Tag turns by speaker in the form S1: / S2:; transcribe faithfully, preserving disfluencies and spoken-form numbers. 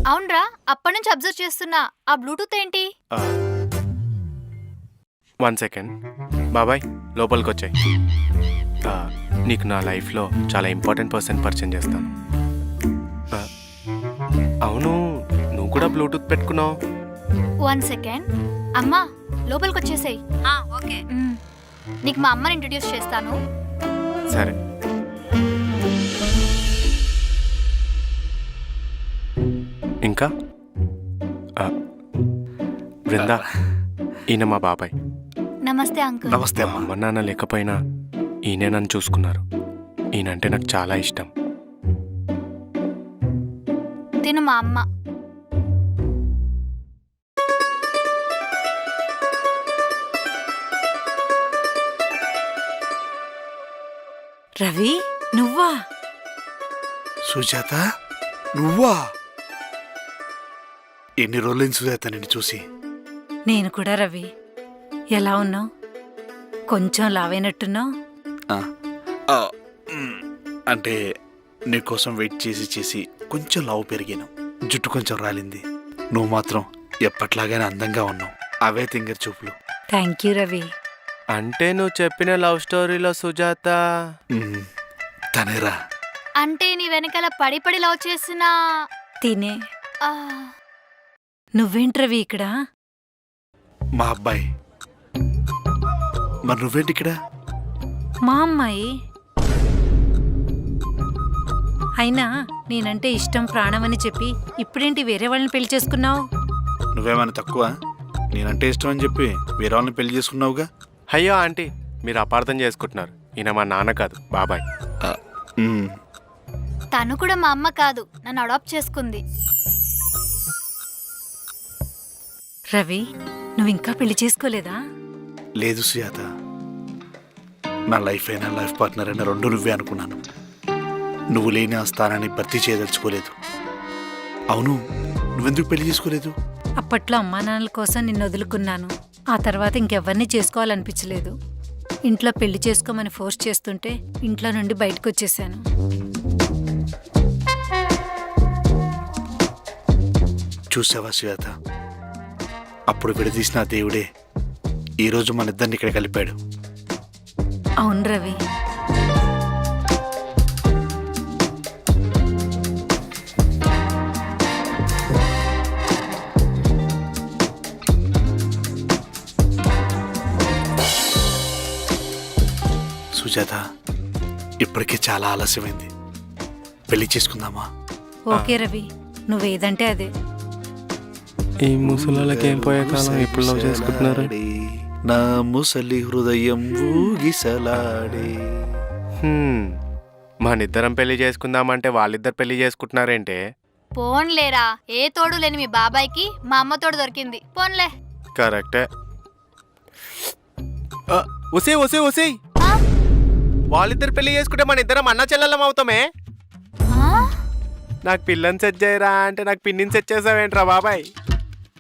S1: అవునరా, అప్పటి నుంచి అబ్జర్వ్ చేస్తున్నా. ఆ బ్లూటూత్ ఏంటి?
S2: వన్ సెకండ్ బాబాయ్, లోపలికి వచ్చాయి. నీకు నా లైఫ్లో చాలా ఇంపార్టెంట్ పర్సన్ పరిచయం చేస్తాను. ఆ, అవును, నువ్వు కూడా బ్లూటూత్ పెట్టుకున్నావు.
S1: One second. అమ్మా, లోపలికి వచ్చేసేయ్.
S3: ఓకే.
S1: నీకు మా అమ్మని ఇంట్రడ్యూస్ చేస్తాను.
S2: సరే. ఇంకా బృందా, ఈయన మా బాబాయ్.
S1: నమస్తే అంకుల్.
S4: నమస్తే
S2: మా అమ్మ నాన్న లేకపోయినా ఈయనే నన్ను చూసుకున్నారు. ఈయనంటే నాకు చాలా ఇష్టం.
S1: తిను మా అమ్మ.
S3: రవి, నువ్వా?
S4: సుజాత, నువ్వా? ఎన్ని రోజులైంది సుజాత నిన్ను చూసి?
S3: నేను కూడా రవి. ఎలా ఉన్నావు? కొంచెం లావైనట్టున్నావు.
S4: అంటే నీకోసం వెయిట్ చేసి చేసి కొంచెం లావు పెరిగాను, జుట్టు కొంచెం రాలింది. నువ్వు మాత్రం ఎప్పట్లాగానే అందంగా ఉన్నావు. అవే తింగర్ చూపులు.
S3: Thank you Ravi.
S2: అంటే నువ్వు చెప్పిన లవ్ స్టోరీలో సుజాత
S4: మ్, తనేరా.
S1: అంటే నీ వెనకాల పడి పడి లవ్ చేసిన
S3: తినే.
S1: ఆ,
S3: నువ్వేంటి రవి ఇక్కడ?
S4: మా అబ్బాయి. మరి నువ్వేంటి ఇక్కడ?
S3: మా అమ్మాయి. అయినా నేనంటే ఇష్టం ప్రాణమని చెప్పి ఇప్పుడేంటి వేరే వాళ్ళని పెళ్లి చేసుకున్నావు?
S4: నువ్వేమైనా తక్కువ? నేనంటే ఇష్టం అని చెప్పి వేరే వాళ్ళని పెళ్లి చేసుకున్నావుగా.
S2: అయ్యో ఆంటీ, మీరు అపార్థం చేసుకుంటున్నారు. ఈయన మా నాన్న కాదు, బాబాయ్.
S4: ఆ, మ్,
S1: తను కూడా మా అమ్మ కాదు, నన్ను అడాప్ట్ చేసుకుంది.
S3: రవి, నువ్వు ఇంకా పెళ్లి చేసుకోలేదా?
S4: లేదు సుజాత, నా లైఫ్ అయినా లైఫ్ పార్ట్నర్ అయినా రెండు నువ్వే అనుకున్నాను. నువ్వు లేని ఆ స్థానాన్ని భర్తీ చేయదలుచుకోలేదు. అవును, నువ్వెందుకు పెళ్లి చేసుకోలేదు?
S3: అప్పట్లో అమ్మా నాన్నల కోసం నిన్ను వదులుకున్నాను. ఆ తర్వాత ఇంకెవ్వరిని చేసుకోవాలనిపించలేదు. ఇంట్లో పెళ్లి చేసుకోమని ఫోర్స్ చేస్తుంటే ఇంట్లో నుండి బయటకు వచ్చేసాను.
S4: చూసావా సుజాత, అప్పుడు విడదీసిన ఆ దేవుడే ఈరోజు మన ఇద్దరిని ఇక్కడ కలిపాడు.
S3: అవును రవి.
S4: సుజాత, ఇప్పటికే చాలా ఆలస్యమైంది. పెళ్లి చేసుకుందామా?
S3: ఓకే రవి, నువ్వేదంటే అదే.
S2: ఈ ముసలాళ్ళకి ఏం పోయే కాలం, ఇప్పుడు లవ్ చేసుకుంటున్నారు.
S4: నా ముసలి హృదయం ఊగిసలాడే.
S2: హ్మ్, మనిద్దరం పెళ్లి చేసుకుందామంటే వాళ్ళిద్దరు పెళ్లి చేసుకుంటున్నారేంటే?
S1: పోన్లేరా, ఏ తోడు లేని మీ బాబాయ్కి మా అమ్మ తోడు దొరికింది. పోన్లే.
S2: కరెక్టే. ఒసే ఒసే ఒసే,
S1: ఆ?
S2: వాళ్ళిద్దరు పెళ్లి చేసుకుంటే మన ఇద్దరం అన్న చెల్లెలం అవుతామే.
S1: ఆ?
S2: నాకు పిల్లని సెట్ చేయరా అంటే నాకు పిన్నిని సెట్ చేసావేంట్రా బాబాయ్?